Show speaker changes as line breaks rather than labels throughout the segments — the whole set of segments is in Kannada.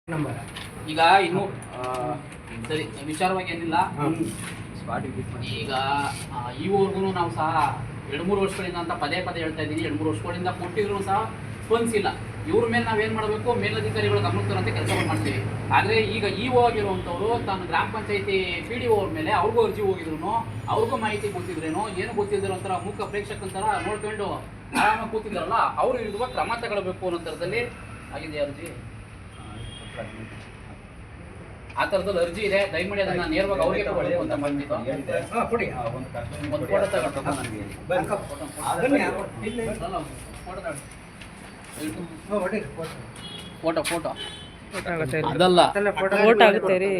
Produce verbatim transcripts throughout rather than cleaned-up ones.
ನಂಬರ್
ಈಗ ಇನ್ನು ಸರಿ ವಿಚಾರವಾಗಿ ಏನಿಲ್ಲ. ಈಗ ಈವರೆಗೂ ನಾವು ಸಹ ಎರಡು ಮೂರು ವರ್ಷಗಳಿಂದ ಅಂತ ಪದೇ ಪದೇ ಹೇಳ್ತಾ ಇದ್ದೀನಿ, ಎರಡು ಮೂರು ವರ್ಷಗಳಿಂದ ಕೊಟ್ಟಿದ್ರು ಸಹ ಸ್ಪಂದಿಸಿಲ್ಲ. ಇವ್ರ ಮೇಲೆ ನಾವೇನು ಮಾಡಬೇಕು, ಮೇಲಧಿಕಾರಿಗಳು ಗಮನಕ್ಕೆ ತರಂತೆ ಕೆಲಸವನ್ನು ಮಾಡ್ತೀವಿ. ಆದರೆ ಈಗ ಇ ಒ ಆಗಿರುವಂಥವ್ರು ತನ್ನ ಗ್ರಾಮ ಪಂಚಾಯತಿ ಪಿ ಡಿ ಒ ಅವ್ರ ಮೇಲೆ ಅವ್ರಿಗೂ ಅರ್ಜಿ ಹೋಗಿದ್ರು, ಅವ್ರಿಗೂ ಮಾಹಿತಿ ಗೊತ್ತಿದ್ರೇನೋ ಏನು ಗೊತ್ತಿದ್ರು ಒಂಥರ ಮೂಕ ಪ್ರೇಕ್ಷಕಂತರ ನೋಡ್ಕೊಂಡು ಆರಾಮಾಗಿ ಕೂತಿದ್ದಾರಲ್ಲ, ಅವರು ಇರುವ ಕ್ರಮ ತಗೊಳ್ಬೇಕು ಅನ್ನೋ ಥರದಲ್ಲಿ ಆಗಿದೆ ಅರ್ಜಿ. ಆ ಥರದಲ್ಲಿ ಅರ್ಜಿ ಇದೆ, ದಯಮಾಡಿ ಅದನ್ನ ನೇರವಾಗಿ ಅವ್ರಿಗೆ ಕೊಡಬೇಕು ಅಂತ ಬಂದಿದ್ದು. ಒಂದು ಫೋಟೋ ತಗೊಂಡು ಫೋಟೋ ಫೋಟೋ ಅದಲ್ಲ
ಫೋಟೋ ಆಗುತ್ತೆ ರೀ.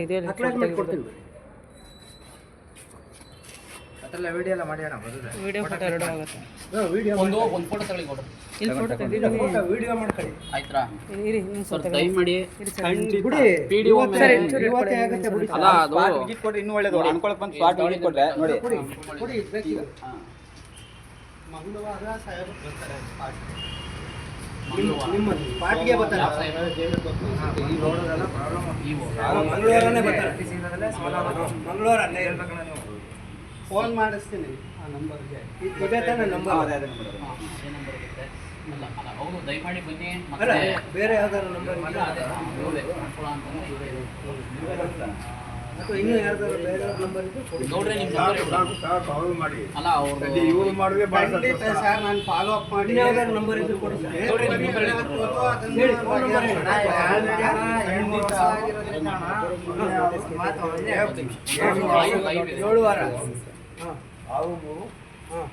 ಅದೆಲ್ಲ ವಿಡಿಯೋ ಎಲ್ಲ ಮಾಡಿ ಅಣ್ಣ ಬರೋದು.
ವಿಡಿಯೋ ಫೋಟೋ ಎರಡು ಆಗುತ್ತೆ.
ವಿಡಿಯೋ
ಒಂದು ಒಂದು ಫೋಟೋ ತಗೊಳ್ಳಿ ಕೊಡು.
ಇಲ್ಲಿ ಫೋಟೋ ತೆಗೆದಿದ್ದೀನಿ.
ಫೋಟೋ ವಿಡಿಯೋ ಮಾಡ್ಕೊಳ್ಳಿ
ಆಯ್ತಾ
ಇರಿ
ಸರ್, ದಯಮಾಡಿ
ಬಿಡಿ.
ಪಿ ಡಿ ಒ ಮೇಲೆ
ಇವತ್ತೇ ಆಗುತ್ತೆ ಬಿಡಿ.
ಅಲ್ಲ ಅದು
ವಿಜಿಟ್ ಕೊಟ್ರೆ ಇನ್ನೂ ಒಳ್ಳೇದು. ಅನ್ಕೊಳಕ್ ಬಂದು ಸ್ಪಾಟ್ ವಿಜಿಟ್ ಕೊಟ್ರೆ ನೋಡಿ.
ಕೊಡಿ ಕೊಡಿ ಬೇಕೀಗ. ಮಂಗಳವಾರ ಸಾಹೇಬ್ ಬರ್ತಾರೆ ಸ್ಪಾಟ್. ನಿಮ್ಮ ಸ್ಪಾಟ್ಗೆ ಬರ್ತಾರೆ. ಈ ರೋಡಲ್ಲ ಪ್ರಾಬ್ಲಮ್. ಮಂಗಳವಾರನೇ ಬರ್ತಾರೆ. ಮಂಗಳವಾರನೇ ಹೇಳ್ಬೇಕಣ್ಣ ನೀವು. ಫೋನ್ ಮಾಡಿಸ್ತೀನಿ ಆ ನಂಬರ್ಗೆ. ಇದೇ ತಾನೇ ನಂಬರ್?
ಅದೇ ಅದೇ ನಂಬರ್.
ಹಾಂ, ಅದೇ ನಂಬರ್ ಇರುತ್ತೆ. ಅಲ್ಲ ಅಲ್ಲ ಅವರು ದಯಮಾಡಿ ಬನ್ನಿ.
ಅಲ್ಲ
ಮತ್ತೆ
ಬೇರೆ ಯಾವ್ದಾದ್ರು ನಂಬರ್
ಅಲ್ಲ ಅದೇ ಇವರೇ ಅನುಕೂಲ ಅಂತಂದ್ರೆ ಇವರೇ
ಅಥವಾ ಇನ್ನೂ ಯಾವ್ದಾದ್ರು ಬೇರೆ ನಂಬರ್ ಇದ್ದು ಕೊಡಿ.
ನೋಡ್ರೆ ನಿಮ್ಮ ನಂಬರ್ ಅಲ್ಲ ಅವರು
ಇವ್ರು ಮಾಡಿದ್ರೆ ಭಾಳ
ಖಂಡಿತ ಸರ್, ನಾನು ಫಾಲೋ ಅಪ್ ಮಾಡಿ ಯಾವ್ದಾದ್ರು ನಂಬರ್ ಇದ್ದು ಕೊಡಿ ಸರ್.
ನೋಡ್ರಿ ನಿಮ್ಮ ನಂಬರ್
ಹೇಳಿ, ಫೋನ್ ನಂಬರ್ ಹೇಳಿ. ಎರಡು ವರ್ಷ ಆಗಿರೋದ್ರಿಂದ ಮಾತು ಒಂದೇ ಆಗ್ತೀನಿ. ಏಳು ವಾರ. ಹಾಂ ಹಾಂ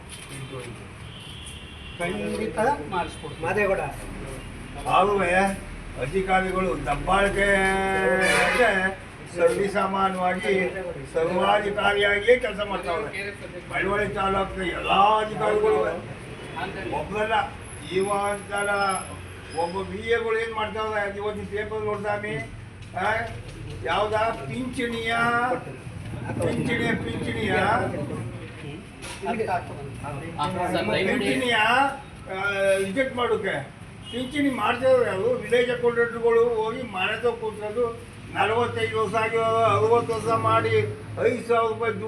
ಖಂಡಿತ ಮಾಡಿಸ್ಕೊಡ್ತೀನಿ. ಮಾದೇಗೌಡ
ಆಗುವೆ ಅಧಿಕಾರಿಗಳು ದಬ್ಬಾಳಿಕೆ ಸರ್ವಿಸಾಮಾನ್ಯವಾಗಿ ಸರ್ವಾಧಿಕಾರಿಯಾಗಿಯೇ ಕೆಲಸ ಮಾಡ್ತಾವೆ. ಮಳವಳ್ಳಿ ತಾಲೂಕಿನ ಎಲ್ಲ ಅಧಿಕಾರಿಗಳು ಒಬ್ಬರಲ್ಲ, ಇವ ಅಂತಾರ ಒಬ್ಬ ಬಿ ಎಗಳು ಏನು ಮಾಡ್ತಾವೆ. ಇವತ್ತು ಪೇಪರ್ ನೋಡ್ತಾನೆ ಯಾವ್ದ ಪಿಂಚಣಿಯ ಪಿಂಚಣಿಯ ಪಿಂಚಣಿಯ ಪಿಂಚಣಿಯ ರಿಜೆಕ್ಟ್ ಮಾಡೋಕೆ ಪಿಂಚಣಿ ಮಾಡ್ತೇವೆ. ಅದು ವಿಲೇಜ್ ಅಕೌಂಟೆಂಟ್ಗಳು ಹೋಗಿ ಮನೆ ತಗೋ ಕೂತ್ಕೊಂಡು ನಲವತ್ತೈದು ವರ್ಷ ಆಗಿ ಅರವತ್ತು ವರ್ಷ ಮಾಡಿ ಐದು ಸಾವಿರ ರೂಪಾಯಿ